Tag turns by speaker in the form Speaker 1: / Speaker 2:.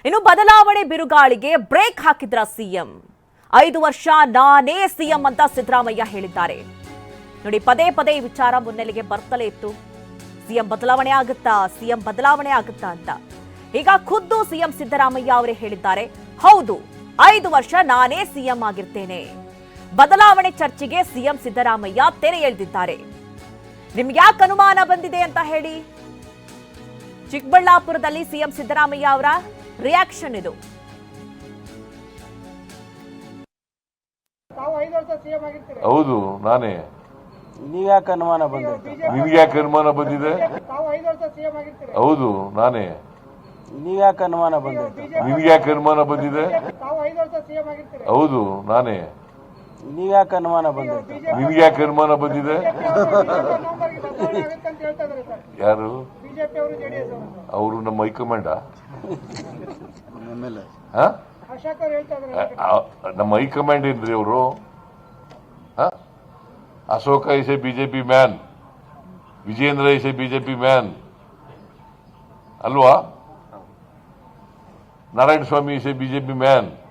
Speaker 1: ಇನ್ನು ಬದಲಾವಣೆ ಬಿರುಗಾಳಿಗೆ ಬ್ರೇಕ್ ಹಾಕಿದ್ರ ಸಿಎಂ. 5 ವರ್ಷ ನಾನೇ ಸಿಎಂ ಅಂತ ಸಿದ್ದರಾಮಯ್ಯ ಹೇಳಿದ್ದಾರೆ. ನೋಡಿ, ಪದೇ ಪದೇ ಈ ವಿಚಾರ ಮುನ್ನೆಲೆಗೆ ಬರ್ತಲೇ ಇತ್ತು. ಸಿಎಂ ಬದಲಾವಣೆ ಆಗುತ್ತಾ ಅಂತ. ಈಗ ಖುದ್ದು ಸಿಎಂ ಸಿದ್ದರಾಮಯ್ಯ ಅವರೇ ಹೇಳಿದ್ದಾರೆ, ಹೌದು 5 ವರ್ಷ ನಾನೇ ಸಿಎಂ ಆಗಿರ್ತೇನೆ. ಬದಲಾವಣೆ ಚರ್ಚೆಗೆ ಸಿಎಂ ಸಿದ್ದರಾಮಯ್ಯ ತೆರೆ ಎಳೆದಿದ್ದಾರೆ. ನಿಮ್ಗೆ ಯಾಕೆ ಅನುಮಾನ ಬಂದಿದೆ ಅಂತ ಹೇಳಿ. ಚಿಕ್ಕಬಳ್ಳಾಪುರದಲ್ಲಿ ಸಿಎಂ ಸಿದ್ದರಾಮಯ್ಯ ಅವರ ರಿಯಾಕ್ಷನ್ ಇದು.
Speaker 2: ಹೌದು ನಾನೇ.
Speaker 3: ನೀವ್ಯಾಕೆ ಅನುಮಾನ ಬಂದಿದೆ?
Speaker 2: ನಿಮ್ಗೆ ಯಾಕೆ ಅನುಮಾನ ಬಂದಿದೆ? ಹೌದು ನಾನೇ.
Speaker 3: ನೀವ್ಯಾಕೆ ಅನುಮಾನ ಬಂದಿದೆ?
Speaker 2: ನಿಮ್ಗೆ ಯಾಕೆ ಅನುಮಾನ ಬಂದಿದೆ? ಹೌದು ನಾನೇ.
Speaker 3: ನೀವ್ಯಾಕೆ ಅನುಮಾನ ಬಂದಿದೆ?
Speaker 2: ನಿಮ್ಗೆ ಯಾಕೆ ಅನುಮಾನ ಬಂದಿದೆ? ಯಾರು? ಅವರು ನಮ್ಮ ಹೈಕಮಾಂಡ. ನಮ್ಮ ಹೈಕಮಾಂಡ್ ಏನ್ರಿ ಅವರು? Ashoka is a BJP man, Vijayendra is a BJP man ಅಲ್ವಾ? Narayana Swamy is a BJP man.